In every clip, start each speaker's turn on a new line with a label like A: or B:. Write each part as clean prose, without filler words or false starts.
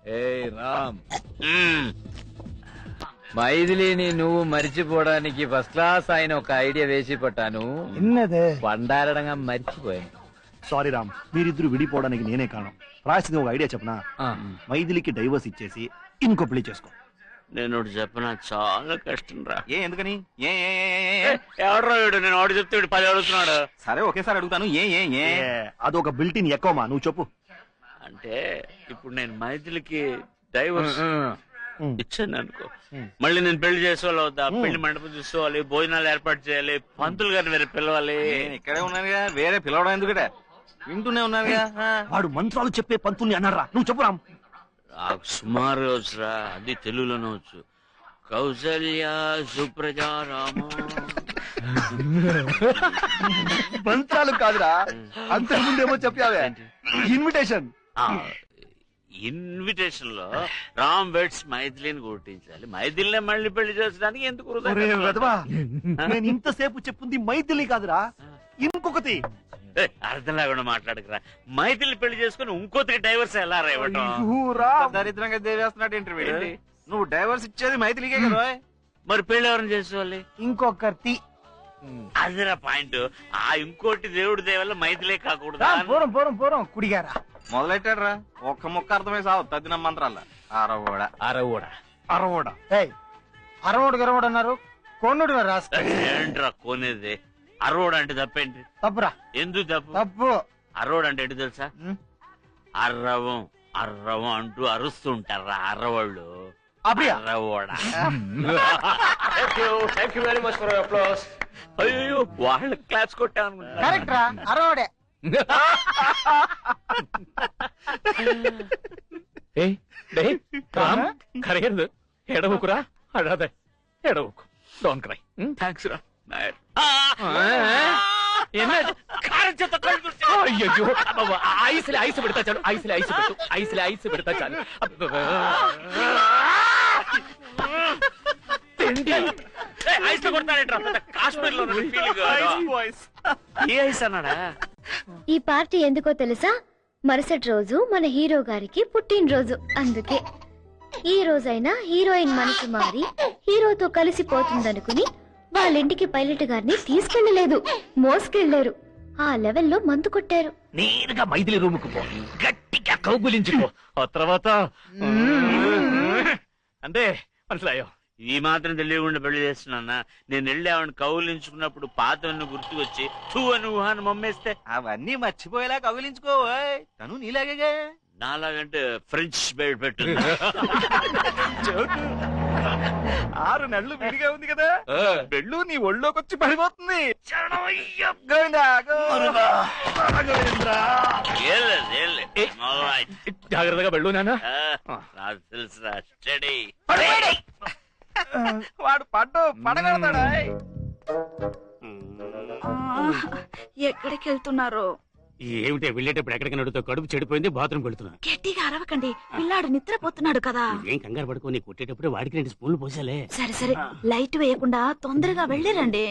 A: ఏయ్ రామ్, మైథిలిని నువ్వు మరిచిపోవడానికి first class ఆయన ఒక ఐడియా వేసి పట్టాను. పండారడంగా మర్చిపోయాను.
B: సారీ రామ్, మీరిద్దరు విడిపోవడానికి నేనే కారణం. రాసింది ఒక ఐడియా చెప్పనా? మైథిలికి డైవర్స్ ఇచ్చేసి ఇంకో పెళ్లి చేసుకో.
C: నేను చెప్పిన చాలా కష్టం రా.
B: ఎందుకని?
C: ఎవడరా వీడు? నేను వాడు చెప్తే వీడు 10 అడుగుతున్నాడు.
B: సరే ఒకేసారి అడుగుతాను. అదొక బిల్టిన్ ఎక్కువమా, నువ్వు చెప్పు.
C: అంటే ఇప్పుడు నేను మైథిలికి డైవర్స్ ఇచ్చాను అనుకో, మళ్ళీ నేను పెళ్లి చేసుకోవాలి, పెళ్లి మండపం చూసుకోవాలి, భోజనాలు ఏర్పాటు చేయాలి, పంతులు గారిని వేరే పిలవాలి.
B: ఇక్కడే ఉన్నానుగా, వేరే పిలవడం ఎందుకంటే వింటూనే ఉన్నానుగా. వాడు మంత్రాలు చెప్పే పంతుల్ని అన్నారా? నువ్వు చెప్పు రామ్.
C: నాకు సుమారు వచ్చురా, అది తెలుగులోనే వచ్చు. కౌసల్య సుప్రజా రామ.
B: మంత్రాలు కాదురా, అంతకుముందేమో చెప్పావే ఇన్విటేషన్.
C: ఇన్విటేషన్ లో రామ్ వెడ్స్ మైథిలిని గుర్తించాలి, మైథిలినే మళ్ళీ పెళ్లి చేసడానికి ఎందుకు?
B: నేను ఇంతసేపు చెప్పింది మైథిలి కాదురా, ఇంకొకటి.
C: అర్థం లేకుండా మాట్లాడకరా. మైథిలి పెళ్లి చేసుకుని ఇంకోతికి డైవర్స్ ఎలా రేవటం?
B: దరిద్రంగా దేవేస్తున్నాడు ఇంటర్వ్యూ. నువ్వు డైవర్స్ ఇచ్చేది మైథిలికే కదా,
C: మరి పెళ్లి ఎవరిని చేసుకోవాలి?
B: ఇంకొకటి.
C: అదిరా పాయింట్. ఆ ఇంకోటి దేవుడి దేవల్ల మైథిలే కాకూడదు.
B: పూరం కుడిగారా మొదలెట్టాడ్రా. ఒక్క ముక్క అర్థమై సావు తద్దిన మంత్రాల. అరవోడు గరవోడు అన్నారు. కొన్నుడు
C: ఏంట్రా కొనేది? అరవోడు అంటే తప్పేంటి?
B: తప్పురా.
C: ఎందుకు
B: తప్పు?
C: అరవోడు అంటే ఏంటి తెలుసా? అర్రవం అర్రవం అంటూ అరుస్తుంటారా అర్రవాళ్ళు. అర్రవోడా. అయ్యో వాళ్ళ క్లాప్స్ కొట్టాను.
B: కరెక్ట్ రా, అరవోడే.
A: కరగదు, ఎడవుకురా. అదే ఎడవుకు. Don't cry.
C: థ్యాంక్స్ రా.
A: అయ్యో ఐసులే ఐసు పెడతా చాలు, ఐసులే ఐసు పెట్టు, ఐసులే ఐసు పెడతా చాలు.
C: ఐస్ కొడతాడేట్రా, కాశ్మీర్ లో ఏ ఐస్ అన్నాడా?
D: ఈ పార్టీ ఎందుకో తెలుసా? మరుసటి రోజు మన హీరో గారికి పుట్టినరోజు. అందుకే ఈ రోజైనా హీరోయిన్ మనసు మారి హీరోతో కలిసిపోతుందనుకుని వాళ్ళింటికి పైలట్ గారిని తీసుకెళ్లలేదు, మోసుకెళ్లారు. ఆ లెవెల్లో మందు కొట్టారు.
A: నేరుగా మైథిలి రూముకు పో, గట్టిగా కౌగులించుకో. ఆ తర్వాత అంటే మనసులాయో.
C: ఈ మాత్రం తెలియకుండా పెళ్లి చేస్తున్నా. నేను వెళ్ళి ఆవిడ కౌలించుకున్నప్పుడు పాతవన్నీ గుర్తుకొచ్చి తూ అని ఊహాన్ని మమ్మేస్తే
B: అవన్నీ మర్చిపోయేలా కౌగిలించుకో. తను నీలాగే.
C: నాలాగంటే ఫ్రెంచ్ బెడ్ పెట్టు.
B: 6 నెలలు విడిగా ఉంది కదా, పెళ్ళు నీ ఒళ్ళోకి వచ్చి పడిపోతుంది.
A: జాగ్రత్తగా వెళ్ళు నాన్న.
C: తెలుసురా, స్టడీ.
B: వాడు పడగడతాడా?
E: ఎక్కడికి వెళ్తున్నారో?
A: ఏమిటే వెళ్ళేటప్పుడు ఎక్కడికి నడుతో కడుపు చెడిపోయింది, బాత్రూమ్ వెళ్తున్నా.
E: గట్టిగా అరవకండి, పిల్లాడు నిద్రపోతున్నాడు కదా.
A: ఏం కంగారు పడుకోని, కొట్టేటప్పుడు వాడికి 2 స్పూన్లు పోసాలే.
E: సరే సరే, లైట్ వేయకుండా తొందరగా వెళ్ళిరండి.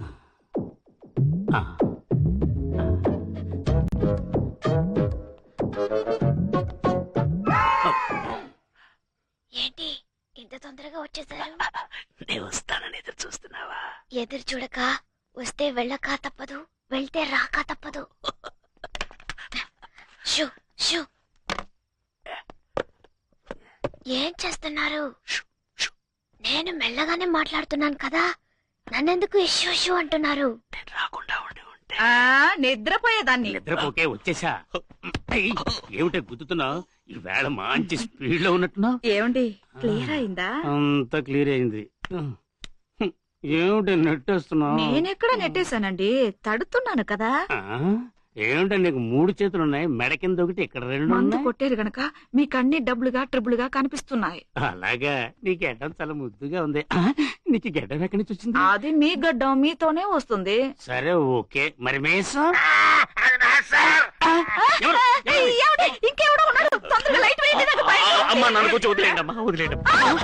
D: ఏంటి ఇంత తొందరగా వచ్చేసారు?
C: నేను వస్తానని ఎదురు చూస్తున్నావా?
D: ఎదురు చూడక వస్తే వెళ్ళక తప్పదు, వెళ్తే రాక తప్పదు. షూ షూ. ఏం చేస్తున్నారు? నేను మెల్లగానే మాట్లాడుతున్నాను కదా, నన్నెందుకు ఇష్యూ షూ అంటున్నారు?
C: నేను రాకుండా ఉండి ఉంటే
E: నిద్రపోయేదాన్ని.
A: నిద్రపోకే వచ్చేసా. ఏమిటే గుద్దుతున్నావు? ఈ వేళ మంచి స్పీడ్ లో ఉన్నట్టున్నావు.
E: ఏమండి, క్లియర్ అయిందా?
A: అంతా క్లియర్ అయింది. ఏమిటి నెట్టేస్తున్నావు?
E: నేనెక్కడ నెట్టేశానండి, తడుతున్నాను కదా.
A: ఏమిటో నీకు 3 చేతులున్నాయి, మెడ కింద ఒకటి, ఇక్కడ 2
E: మందు కొట్టారు గనక మీకు అన్ని డబ్బులుగా ట్రిబులుగా కనిపిస్తున్నాయి.
A: అలాగా? నీ గడ్డం చాలా ముద్దుగా ఉంది. నీకు గడ్డం ఎక్కడి నుంచి వచ్చింది?
E: అది మీ గడ్డం మీతోనే వస్తుంది.
A: సరే ఓకే, మరి మేసం
E: ఇంకెవడో ఉన్నాడు, తొందరగా లైట్ వేయండి.
A: అమ్మా నన్ను కొంచెం వదిలేండి అమ్మా, వదిలేండి.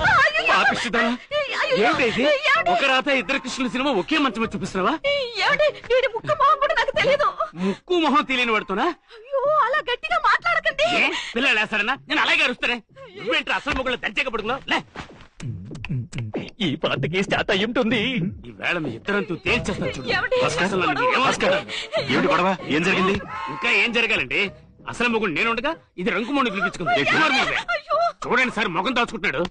A: ఒక రాత 2 కృష్ణుల సినిమా ఒకే మంచం చూపిస్తున్నావా?
E: ముక్కు మొహం కూడా నాకు తెలియదు.
A: ముక్కు మొహం తెలియని పడుతున్నా?
E: అయ్యో అలా గట్టిగా మాట్లాడకండి.
C: పిల్లలు వేస్తారన్నా నేను అలాగే అరుస్తానే నువ్వేంటి అసలు మొగుళ్ళు దంచక పడుకున్నావు లే
A: ఈ పాటకి స్టార్ట్ అయి ఉంటుంది.
C: ఈ వేళ మీ ఇద్దరంతూ తేల్చేస్తాను చూడు.
E: ఏమండి?
C: అసలు నన్ను ఏం ఆస్కారం?
B: ఏమిటి గొడవ? ఏం జరిగింది?
C: ఇంకా ఏం జరగాలండి అసలు మొగుడు నేను ఉండగా ఇది రంకుమోని పిలిపించుకుంది చూడండి సార్ ముఖం దాచుకుంటున్నాడు.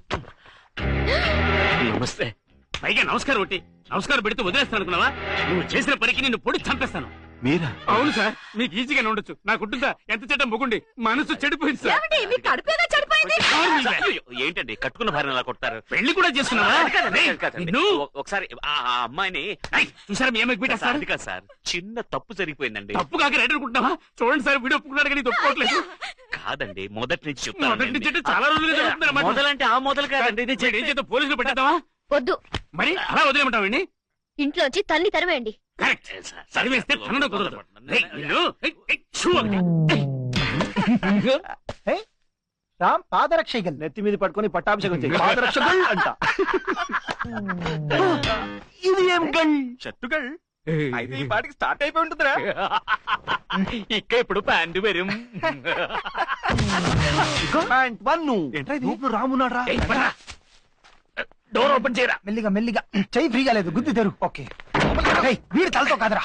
C: నమస్తే పైగా నమస్కారం ఒకటి నమస్కారం పెడితే వదిలేస్తాను అనుకున్నావా? నువ్వు చేసిన పనికి నిన్ను పొడి చంపేస్తాను.
B: మీరా?
C: అవును సార్ మీకు ఈజీగానే ఉండొచ్చు నాకుంటుందా ఎంత చెడ్డ మొగుండి మనసు చెడిపోయింది సార్.
E: ఏమండి? మీ కడుపేగా చెడిపోయింది.
C: ఏంటండి కట్టుకున్న భార్య అలా కొడతారు? పెళ్లి కూడా చేస్తున్నావా? నువ్వు ఒకసారి ఆ అమ్మాయిని చూసారా మీ అమ్మాయికి పెట్టేస్తారు. అది కాదు సార్ చిన్న తప్పు జరిగిపోయింది. తప్పు కాక రైట్ అనుకుంటున్నావా? చూడండి సార్ వీడియో ఒప్పుకున్నాడు కానీ ఒప్పుకోవట్లేదు. కాదండి మొదటి నుంచి చెప్తాను. మొదటి నుంచి అంటే చాలా రోజులుగా మొదలంటే ఆ మొదలు కాదండి. ఏం చేద్దాం పోలీసులు పెట్టేద్దామా?
D: వద్దు,
C: మరి అలా వదిలేమంటావండి?
D: ఇంట్లోంచి తన్ని తరివేయండి.
C: కరెక్ట్ సరివేస్తే తనడం కుదరదు. ఏయ్, నిన్ను, ఏయ్, ఏయ్, షూ ఒకటి.
F: రామ్ పాదరక్షగల్
B: నెత్తి మీద పట్టుకొని పట్టాభిషేకం చేయి. పాదరక్షకుల్ అంట. ఇది ఏం గల్?
F: షట్టుగల్ అయితే ఈ పాటికి స్టార్ట్ అయిపోయి ఉంటుందిరా.
A: ఇక్క ఇప్పుడు ప్యాంటు వెరు.
B: ప్యాంట్ వన్ను. లోపల రామున్నాడ్రా.
A: డోర్ ఓపెన్ చేయరా.
F: మెల్లిగా మెల్లిగా చెయ్యి ఫ్రీగా లేదు గుద్ది తెరు. ఓకే వీడి తలతో కాదురా.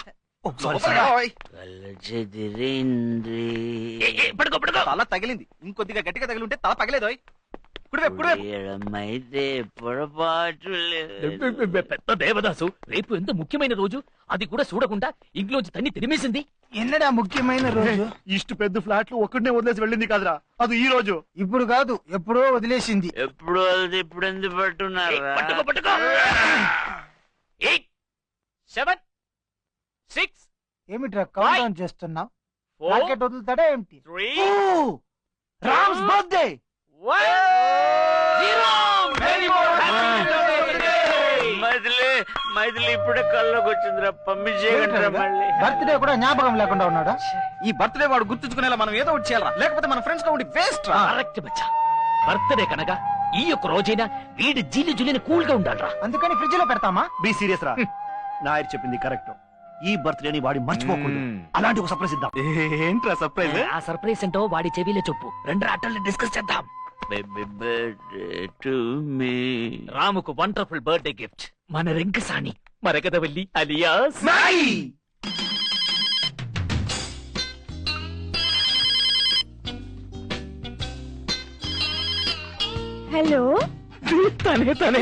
A: పడుకో పడుకో.
F: తల తగిలింది, ఇంకొద్దిగా గట్టిగా తగిలి ఉంటే తల పగలేదు.
A: పెద్ద దేవదాసు రేపు ఎంత ముఖ్యమైన రోజు అది కూడా చూడకుండా ఇంట్లోంచి తన్ని తిరిమేసింది.
F: ఎన్నడా ముఖ్యమైన రోజు?
B: ఇష్ట పెద్ద ఫ్లాట్లు ఒక్కడనే వదిలేసి వెళ్ళింది కాదురా, అది ఈ రోజు.
F: ఇప్పుడు కాదు, ఎప్పుడో వదిలేసింది.
C: ఎప్పుడు అది ఇప్పుడు ఎందుకు పట్టున్నారు?
A: పట్టుకో పట్టుకో. 8 7 6
F: ఏమిట్రా కౌంట్ డౌన్ చేస్తున్నావు?
A: 4
F: రాకెట్ వదులుతాడా ఏమిటి?
A: 3
F: రామ్స్ బర్త్డే.
A: 1 0.
C: మైథిలి ఇప్పుడే కల్లోకి వచ్చిందిరా పంపించేయగలరా మళ్ళీ?
F: బర్త్డే కూడా జ్ఞాపకం లేకుండా ఉన్నాడా?
G: ఈ బర్త్డే వాడు గుర్తుంచుకునేలా మనం ఏదో ఒకటి చేయాలరా, లేకపోతే మన ఫ్రెండ్స్ తో ఉండి వేస్ట్ రా.
A: కరెక్ట్ బచ్చా. బర్త్డే కనుక ఈ యొక్క రోజైనా వీడి జీలి జులిని కూల్ గా ఉండాలరా.
F: అందుకని ఫ్రిడ్జ్ లో పెడతామా?
B: బీ సీరియస్ రా. నాయర్ చెప్పింది కరెక్ట్. ఈ బర్త్డేని వాడి మర్చిపోకూడదు. అలాంటి ఒక సర్ప్రైజ్ ఇద్దాం.
G: ఏంట్రా సర్ప్రైజ్?
A: ఆ సర్ప్రైజ్ ఏంటో వాడి చెవిలో చెప్పు. 2 ఆటల్ని డిస్కస్ చేద్దాం.
C: Baby birthday to me.
A: రాముకు వండర్ఫుల్ బర్త్డే గిఫ్ట్ మన రింకసాని మరకదవల్లి అలియాస్
E: హలో,
A: తనే తనే.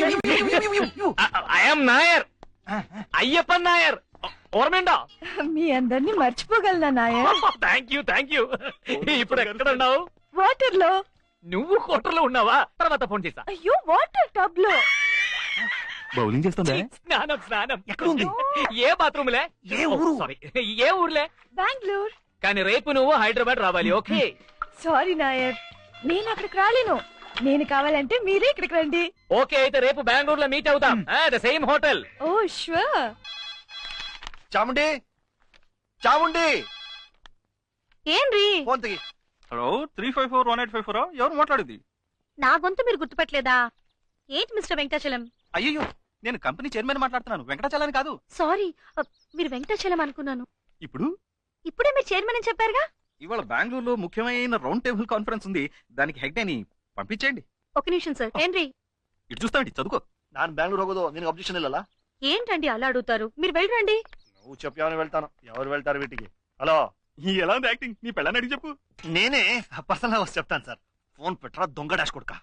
A: ఐఎమ్ నాయర్, అయ్యప్పన్ నాయర్. ఓర్మేండా?
E: మీ అందరినీ మర్చిపోగలనా నాయర్?
A: Thank you. ఇప్పుడు ఎక్కడ ఉన్నావు?
E: వాటర్ లో.
A: నువ్వు క్వార్టర్ లో ఉన్నావా? తర్వాత ఫోన్ చేసా.
E: అయ్యో, వాటర్ టబ్ లో.
B: బౌలింగ్ చేస్తుందా?
A: స్నానం
B: ఎక్కడ ఉంది?
A: ఏ బాత్రూమ్ లే?
B: ఏ ఊరు?
A: సారీ, ఏ ఊర్లే?
E: బెంగళూరు.
A: కానీ రేపు నువ్వు హైదరాబాద్ రావాలి. ఓకే?
E: సారీ నాయర్, నేను అక్కడికి రాలేను. నేను కావాలంటే మీరే ఇక్కడికి రండి.
A: ఓకే, అయితే రేపు బెంగళూరులో మీట్ అవుతాం. The same hotel.
E: Oh sure.
G: Chamundi Chamundi
E: ఏంరి?
G: ఫోన్ తిగి. హలో 3541854 ఎవరు మాట్లాడేది?
D: నా గొంతు మీరు గుర్తుపట్టలేదా? ఏంటి మిస్టర్ వెంకటాచలం?
G: అయ్యో నేను కంపెనీ చైర్మన్ మాట్లాడుతున్నాను, వెంకటాచలాని కాదు.
D: సారీ, మీరు వెంకటాచలం అనుకున్నాను.
G: ఇప్పుడు
D: ఇప్పుడే మీరు చైర్మన్ అని చెప్పారుగా.
G: ఇవాళ బెంగళూరులో ముఖ్యమైన రౌండ్ టేబుల్ కాన్ఫరెన్స్ ఉంది, దానికి హెడ్ అని పంపించేయండి.
D: ఒక నిమిషం సార్. ఏంటి
G: ఇటు చూస్తామండి, చదువుకో.
B: ನಾನು ಬ್ಯಾಂಗ್ಳೂರ್ ಹೋಗೋದು ನಿನಗೆ ಅಬ್ಜೆಕ್ಷನ್ ಇಲ್ಲಲ್ಲ?
D: ఏంటండి అలా అడుగుతారు? మీరు వెళ్ళరండి.
B: నువ్వు చెప్పావని వెళ్తాను. ఎవరు వెళ్తారు వీటికి? హలో,
G: ఎలా ఉంది యాక్టింగ్? నీ పెళ్ళని అడిగి చెప్పు.
B: నేనే పర్సనల్ గా చెప్తాను సార్. ఫోన్ పెట్టరా దొంగ డాష్ కొడుక.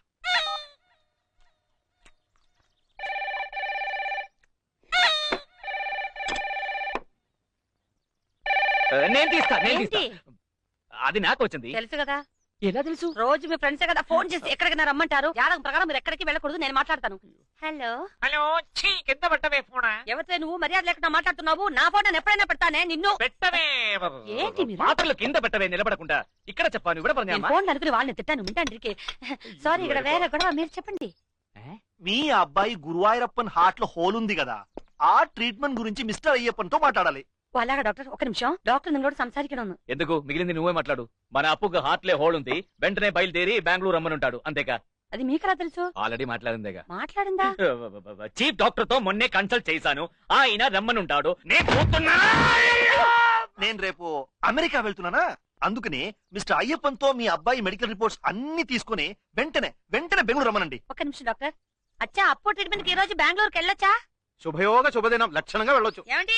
A: నేను తీస్తా.
D: ఏంటి?
A: అది నాకు వచ్చింది.
D: తెలుసు కదా.
A: ఎలా తెలుసు?
D: రోజు మీ ఫ్రెండ్సే కదా ఫోన్ చేసి ఎక్కడికైనా రమ్మంటారు. జాతకం ప్రకారం మీరు ఎక్కడికి వెళ్ళకూడదు, నేను మాట్లాడతాను. హలో
A: హలో, కింద పెట్టవే ఫోన్.
D: ఎవరితో నువ్వు మర్యాద లేకుండా మాట్లాడుతున్నావు? నా ఫోన్ నేను ఎప్పుడైనా పెడతానే నిన్ను.
A: పెట్టవే.
D: ఏంటి మీరు?
A: పాత్రలు కింద పెట్టవే, నిలబడకుండా. ఇక్కడ చెప్పాను, ఇక్కడ
D: నేను ఫోన్ అనుకుని వాళ్ళని తిట్టాను, వింటాండ్రికి. సారీ, ఇక్కడ వేరే గొడవ. మీరు చెప్పండి.
B: మీ అబ్బాయి గురువాయూరప్పన్ హార్ట్ లో హోల్ ఉంది కదా, ఆ ట్రీట్మెంట్ గురించి మిస్టర్ అయ్యప్పన్ తో మాట్లాడాలి.
D: అలాగా డాక్టర్, ఒక నిమిషం. డాక్టర్ నిన్నోడు సంసారికను.
A: ఎందుకు? మిగిలింది నువ్వే మాట్లాడు. మన అప్పుకు హార్ట్లే హోల్ ఉంది, వెంటనే బయలుదేరి బెంగళూరు రమ్మనుంటాడు. అంతేగా?
D: అది మీకెలా తెలుసు?
A: ఆల్రెడీ మాట్లాడిందేగా.
D: మాట్లాడిందా?
A: చీఫ్ డాక్టర్ తో మొన్నే కన్సల్ట్ చేశాను, ఆయన రమ్మనుంటాడు. నేను
B: నేను రేపు అమెరికా వెళ్తున్నానా, అందుకనే మిస్టర్ అయ్యప్పన్ తో మీ అబ్బాయి మెడికల్ రిపోర్ట్స్ అన్ని తీసుకుని వెంటనే బెంగళూరు రమ్మనండి.
H: ఒక నిమిషం డాక్టర్. అచ్చా అప్పు ట్రీట్మెంట్ కి ఈ రోజు బెంగళూరుకి వెళ్ళొచ్చా?
G: శుభయోగ శుభదినం, లక్షణంగా వెళ్ళొచ్చు.
H: ఏమండి?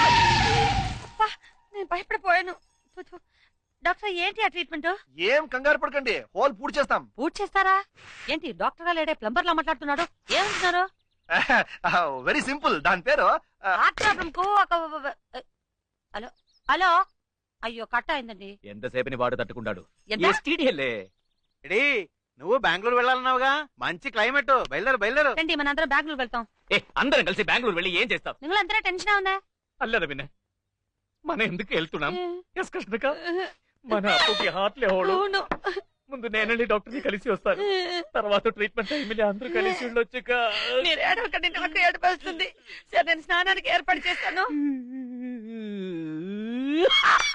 H: నేను భయపడిపోయాను. డాక్టర్ ఏంటి ఆ ట్రీట్మెంట్?
B: ఏం కంగారు పడకండి, హోల్ పూర్తి చేస్తాం.
H: పూర్తి చేస్తారా? ఏంటి డాక్టర్ గా లేడే ప్లంబర్ లా మాట్లాడుతున్నాడు? ఏమంటున్నారు?
B: వెరీ సింపుల్, దాని పేరు
H: హార్ట్ ప్రాబ్లం కు హలో హలో, అయ్యో కట్ అయిందండి.
A: ఎంతసేపని వాడు తట్టుకుంటాడు.
H: ఎంత?
A: STD-లే.
G: ఎడీ నువ్వు బెంగళూరు వెళ్ళాలన్నావుగా, మంచి క్లైమేట్, బయలుదేరు.
H: రండి మనందరం బెంగళూరు వెళ్తాం.
A: అందరం కలిసి బెంగళూరు వెళ్ళి ఏం చేస్తాం?
H: నిങ്ങളందరూ టెన్షన్ ఉందా?
A: అల్లర విన్న మన ఎందుకు వెళ్తున్నాం? మన అప్పుకి హార్ట్ లేవడు.
H: అవును.
A: ముందు నేనండి డాక్టర్ ని కలిసి వస్తాను, తర్వాత ట్రీట్మెంట్ టైంలో అందరూ కలిసి ఉండొచ్చుక.
H: మీరు ఏడవకండి, నాకు ఏడుపు వస్తుంది. సరే నేను స్నానానికి ఏర్పాటు చేస్తాను.